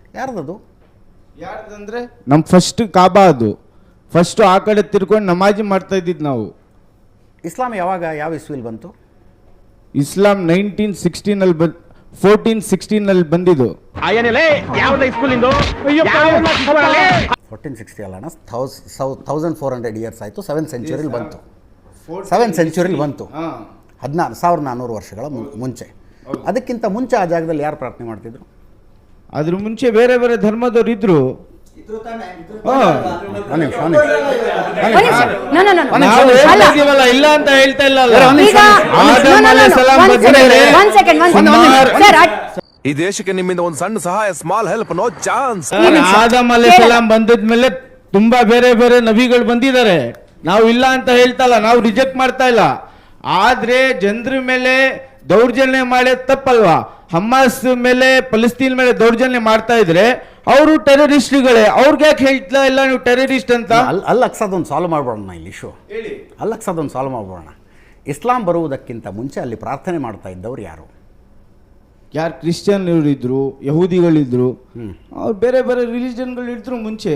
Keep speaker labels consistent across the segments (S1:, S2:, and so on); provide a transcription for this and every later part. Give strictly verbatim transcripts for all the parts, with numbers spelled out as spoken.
S1: ಯಾರ್ದದು?
S2: ಯಾರ್ದಂದ್ರೆ ನಮ್ಮ ಫಸ್ಟ್ ಕಾಬಾ, ಅದು ಫಸ್ಟು ಆ ಕಡೆ ತಿರ್ಕೊಂಡು ನಮಾಜಿ ಮಾಡ್ತಾ ಇದ್ದಿದ್ದು ನಾವು.
S1: ಇಸ್ಲಾಂ ಯಾವಾಗ ಯಾವ ಇಸ್ವಿಲ್ ಬಂತು?
S2: ಇಸ್ಲಾಂ ನೈನ್ಟೀನ್ ಸಿಕ್ಸ್ಟೀನಲ್ಲಿ ಬಂದು ಫೋರ್ಟೀನ್ ಸಿಕ್ಸ್ಟೀನಲ್ಲಿ ಬಂದಿದ್ದು.
S1: ಫೋರ್ಟೀನ್ ಸಿಕ್ಸ್ಟಿ ಅಲ್ಲ ಥೌಸ್ ಥೌಸಂಡ್ ಫೋರ್ ಹಂಡ್ರೆಡ್ ಇಯರ್ಸ್ ಆಯಿತು. ಸೆವೆನ್ ಸೆಂಚುರಿಲಿ ಬಂತು. ಸೆವೆನ್ ಸೆಂಚುರಿಲಿ ಬಂತು, ಹದಿನಾರು ಸಾವಿರದ ನಾನ್ನೂರು ವರ್ಷಗಳ ಮುಂಚೆ. ಅದಕ್ಕಿಂತ ಮುಂಚೆ ಆ ಜಾಗದಲ್ಲಿ ಯಾರು ಪ್ರಾರ್ಥನೆ ಮಾಡ್ತಿದ್ರು?
S2: ಅದ್ರ ಮುಂಚೆ ಬೇರೆ ಬೇರೆ ಧರ್ಮದವ್ರು ಇದ್ರು. ಇಲ್ಲ ಅಂತ ಹೇಳ್ತಾ ಇಲ್ಲ.
S3: ಈ ದೇಶಕ್ಕೆ ನಿಮ್ಮಿಂದ ಒಂದು ಸಣ್ಣ ಸಹಾಯ, small help, no chance.
S2: Adam ಅಲೈಹಿಸ್ಸಲಾಂ ಬಂದಿದ್ಮೇಲೆ ತುಂಬಾ ಬೇರೆ ಬೇರೆ ನಬಿಗಳು ಬಂದಿದ್ದಾರೆ. ನಾವು ಇಲ್ಲ ಅಂತ ಹೇಳ್ತಾ ಇಲ್ಲ, ನಾವು ರಿಜೆಕ್ಟ್ ಮಾಡ್ತಾ ಇಲ್ಲ. ಆದ್ರೆ ಜನರ ಮೇಲೆ ದೌರ್ಜನ್ಯ ಮಾಡೋದು ತಪ್ಪಲ್ವಾ? ಹಮಾಸ್ ಮೇಲೆ ಫಲಸ್ತೀನ್ ಮೇಲೆ ದೌರ್ಜನ್ಯ ಮಾಡ್ತಾ ಇದ್ರೆ ಅವರು ಟೆರರಿಸ್ಟ್ಗಳೇ. ಅವ್ರಿಗೆ ಯಾಕೆ ಹೇಳ್ತಾ ಇಲ್ಲ ನೀವು ಟೆರರಿಸ್ಟ್ ಅಂತ?
S1: ಅಲ್ಲಿ ಅಲ್ಲಿ ಅಕ್ಸದೊಂದು ಸಾಲ್ವ್ ಮಾಡ್ಬೋಣ ಇಲ್ಲಿ ಇಶ್ಯೂ. ಅಲ್ಲಿ ಅಕ್ಸದೊಂದು ಸಾಲ್ವ್ ಮಾಡ್ಬೋಣ. ಇಸ್ಲಾಂ ಬರುವುದಕ್ಕಿಂತ ಮುಂಚೆ ಅಲ್ಲಿ ಪ್ರಾರ್ಥನೆ ಮಾಡ್ತಾ ಇದ್ದವ್ರು ಯಾರು?
S2: ಯಾರು ಕ್ರಿಶ್ಚಿಯನ್ ಇದ್ರು, ಯಹೂದಿಗಳಿದ್ರು, ಅವ್ರು ಬೇರೆ ಬೇರೆ ರಿಲಿಜನ್ಗಳು ಇದ್ರು ಮುಂಚೆ.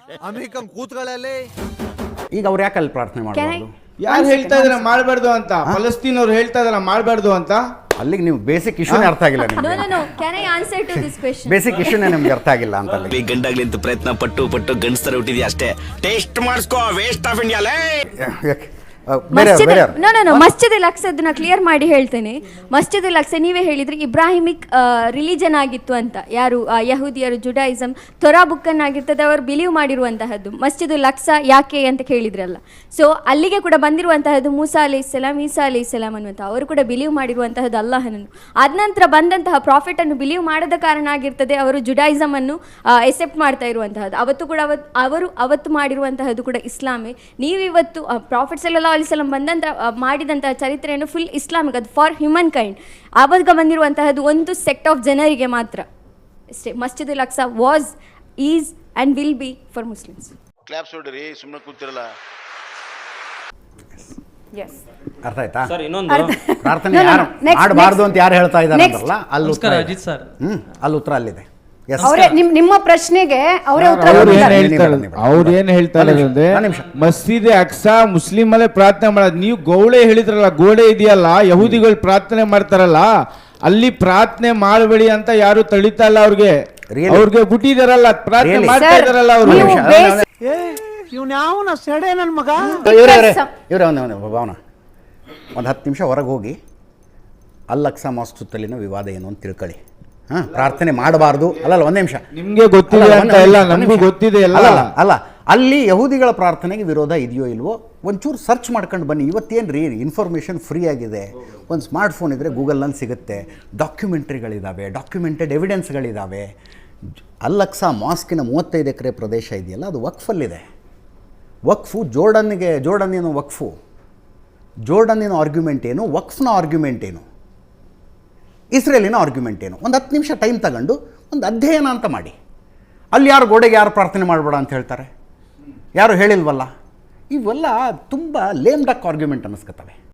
S1: ಈಗ ಅವ್ರು ಯಾಕೆ ಅಲ್ಲಿ ಪ್ರಾರ್ಥನೆ ಮಾಡಬಾರ್ದು?
S2: ಯಾರು ಹೇಳ್ತಾ ಇದಾರೆ ಮಾಡಬಾರ್ದು ಅಂತ? ಫಲಸ್ತೀನ್ ಅವ್ರು ಹೇಳ್ತಾ ಇದಾರೆ ಮಾಡಬಾರ್ದು ಅಂತ.
S1: ಅಲ್ಲಿಗೆ ನೀವು ಬೇಸಿಕ್ ಇಶ್ಯೂನೇ ಅರ್ಥ ಆಗಿಲ್ಲ ನಿಮಗೆ. ಬೇಸಿಕ್ ಇಶ್ಯೂನೇ ನಿಮ್ಗೆ ಅರ್ಥ ಆಗಿಲ್ಲ ಅಂತ.
S4: ಗಂಡಾಗ್ಲಿ ಅಂತ ಪ್ರಯತ್ನ ಪಟ್ಟು ಪಟ್ಟು ಗಂಡಸ್ತರ ಹುಟ್ಟಿದ್ಯಾ ಅಷ್ಟೇ. ಟೇಸ್ಟ್ ಮಾಡಿಸ್ಕೋ, waste of India.
S5: Masjid al Aqsa clear ಮಾಡಿ ಹೇಳ್ತೇನೆ. ಮಸ್ಜಿದ್ ಅಲ್ ಅಕ್ಸಾ ನೀವೇ ಹೇಳಿದ್ರಿ ಇಬ್ರಾಹಿಮಿಕ್ ರಿಲಿಜನ್ ಆಗಿತ್ತು ಅಂತ. ಯಾರು ಯಹೂದಿಯರು, ಜುಡಾಯಿಸಮ್, ತೊರಾ ಬುಕ್ ಆಗಿರ್ತದೆ ಅವರು ಬಿಲೀವ್ ಮಾಡಿರುವಂತಹದ್ದು. ಮಸ್ಜಿದ್ ಅಲ್ ಅಕ್ಸಾ ಯಾಕೆ ಅಂತ ಕೇಳಿದ್ರಲ್ಲ, ಸೊ ಅಲ್ಲಿಗೆ ಕೂಡ ಬಂದಿರುವಂತಹದ್ದು ಮೂಸಾ ಅಲೈಹಿಸ್ಸಲಾಂ, ಈಸಾ ಅಲೈಹಿಸ್ಸಲಾಂ ಅನ್ನುವಂಥ ಅವರು ಕೂಡ ಬಿಲೀವ್ ಮಾಡಿರುವಂತಹದ್ದು ಅಲ್ಲಾಹನನ್ನು. ಆದ ನಂತರ ಬಂದಂತಹ ಪ್ರಾಫಿಟ್ ಅನ್ನು ಬಿಲೀವ್ ಮಾಡದ ಕಾರಣ ಆಗಿರ್ತದೆ ಅವರು ಜುಡಾಯಿಸಮ್ ಅನ್ನು ಎಸೆಪ್ಟ್ ಮಾಡ್ತಾ ಇರುವಂತಹದ್ದು. ಅವತ್ತು ಕೂಡ ಅವತ್ತು ಅವರು ಅವತ್ತು ಮಾಡಿರುವಂತಹದ್ದು ಕೂಡ ಇಸ್ಲಾಮೇ. ನೀವಿವತ್ತು ಪ್ರಾಫಿಟ್ ಸಲ್ಲಲ್ಲಾಹು ಅಲೈಹಿ ವಸಲ್ಲಂ ಬಂದಂತ ಮಾಡಿದಂತಹ ಚರಿತ್ರೆಯನ್ನು ಫುಲ್ ಇಸ್ಲಾಮಿಕ್, ಅದು ಫಾರ್ ಹ್ಯೂಮನ್ ಕೈಂಡ್. ಆವಾಗ ಬಂದಿರುವಂತಹದ್ದು ಒಂದು ಸೆಕ್ಟ್ ಆಫ್ ಜನರಿಗೆ ಮಾತ್ರ ಅಷ್ಟೇ. Masjid al Aqsa was, is and will be for Muslims.
S6: Claps ಹೊಡಿರಿ, ಸುಮ್ಮನೆ ಕೂತಿರಲ್ಲ.
S1: ಅರ್ಥ ಆಯ್ತಾ? ಪ್ರಾರ್ಥನೆ ಯಾರು ಮಾಡಬಾರ್ದು ಅಂತ ಯಾರು ಹೇಳ್ತಾ ಇದ್ದಾರೆ ಅಂತಾರಲ್ಲ, ಅಲ್ಲಿ ಉತ್ತರ ಹ್ಮ್ ಅಲ್ಲಿ ಉತ್ತರ ಅಲ್ಲಿದೆ.
S7: ನಿಮ್ಮ ಪ್ರಶ್ನೆಗೆ ಅವರೇ ಉತ್ತರ.
S2: ಅವ್ರು ಏನ್ ಹೇಳ್ತಾರೆ ಅಂದ್ರೆ ಮಸ್ಜಿದ್ ಅಕ್ಸಾ ಮುಸ್ಲಿಂ ಅಲ್ಲೇ ಪ್ರಾರ್ಥನೆ ಮಾಡೋದು. ನೀವು ಗೋಡೆ ಹೇಳಿದ್ರಲ್ಲ, ಗೋಡೆ ಇದೆಯಲ್ಲ ಯಹೂದಿಗಳು ಪ್ರಾರ್ಥನೆ ಮಾಡ್ತಾರಲ್ಲ, ಅಲ್ಲಿ ಪ್ರಾರ್ಥನೆ ಮಾಡಬೇಡಿ ಅಂತ ಯಾರು ತಳಿತಾ ಇಲ್ಲ. ಅವ್ರಿಗೆ ಅವ್ರಿಗೆ ಬಿಟ್ಟಿದಾರಲ್ಲ, ಪ್ರಾರ್ಥನೆ ಮಾಡ್ತಾ ಇದಾರಲ್ಲ ಅವರು.
S1: ಇವರೇ ಭಾವನ ಒಂದು ಹತ್ತು ನಿಮಿಷ ಹೊರಗೆ ಹೋಗಿ ಅಲ್ ಅಕ್ಸಾ ಮಾಸ್ಕ್ ಸುತ್ತಲಿನ ವಿವಾದ ಏನು ಅಂತ ತಿಳ್ಕೊಳ್ಳಿ. ಹಾ, ಪ್ರಾರ್ಥನೆ ಮಾಡಬಾರ್ದು ಅಲ್ಲಲ್ಲ, ಒಂದೇ ನಿಮಿಷ.
S2: ನಿಮ್ಗೆ ಗೊತ್ತಿದೆ ಅಂತ ಎಲ್ಲ ನಮಗೂ ಗೊತ್ತಿದೆ ಅಲ್ಲ
S1: ಅಲ್ಲ ಅಲ್ಲಿ ಯಹೂದಿಗಳ ಪ್ರಾರ್ಥನೆಗೆ ವಿರೋಧ ಇದೆಯೋ ಇಲ್ವೋ ಒಂಚೂರು ಸರ್ಚ್ ಮಾಡ್ಕೊಂಡು ಬನ್ನಿ. ಇವತ್ತೇನು ರೀ ಇನ್ಫಾರ್ಮೇಷನ್ ಫ್ರೀ ಆಗಿದೆ. ಒಂದು ಸ್ಮಾರ್ಟ್ ಫೋನ್ ಇದ್ದರೆ ಗೂಗಲ್ನಲ್ಲಿ ಸಿಗುತ್ತೆ. ಡಾಕ್ಯುಮೆಂಟ್ರಿಗಳಿದ್ದಾವೆ, ಡಾಕ್ಯುಮೆಂಟೆಡ್ ಎವಿಡೆನ್ಸ್ಗಳಿದ್ದಾವೆ. ಅಲ್ ಅಕ್ಸಾ ಮಾಸ್ಕಿನ ಮೂವತ್ತೈದು ಎಕರೆ ಪ್ರದೇಶ ಇದೆಯಲ್ಲ, ಅದು ವಕ್ಫಲ್ಲಿದೆ. ವಕ್ಫು ಜೋರ್ಡನ್ನಿಗೆ, ಜೋರ್ಡನ್ ಏನು ವಕ್ಫು, ಜೋರ್ಡನ್ನಿನ ಆರ್ಗ್ಯುಮೆಂಟ್ ಏನು, ವಕ್ಫ್ನ ಆರ್ಗ್ಯುಮೆಂಟ್ ಏನು, ಇಸ್ರೇಲಿನ ಆರ್ಗ್ಯುಮೆಂಟ್ ಏನು, ಒಂದು ಹತ್ತು ನಿಮಿಷ ಟೈಮ್ ತಗೊಂಡು ಒಂದು ಅಧ್ಯಯನ ಅಂತ ಮಾಡಿ. ಅಲ್ಲಿ ಯಾರು ಗೋಡೆಗೆ ಯಾರು ಪ್ರಾರ್ಥನೆ ಮಾಡಬೇಡ ಅಂತ ಹೇಳ್ತಾರೆ? ಯಾರು ಹೇಳಿಲ್ವಲ್ಲ. ಇವೆಲ್ಲ ತುಂಬ ಲೇಮ್ ಡಕ್ ಆರ್ಗ್ಯುಮೆಂಟ್ ಅನ್ನಿಸ್ಕೊತವೆ.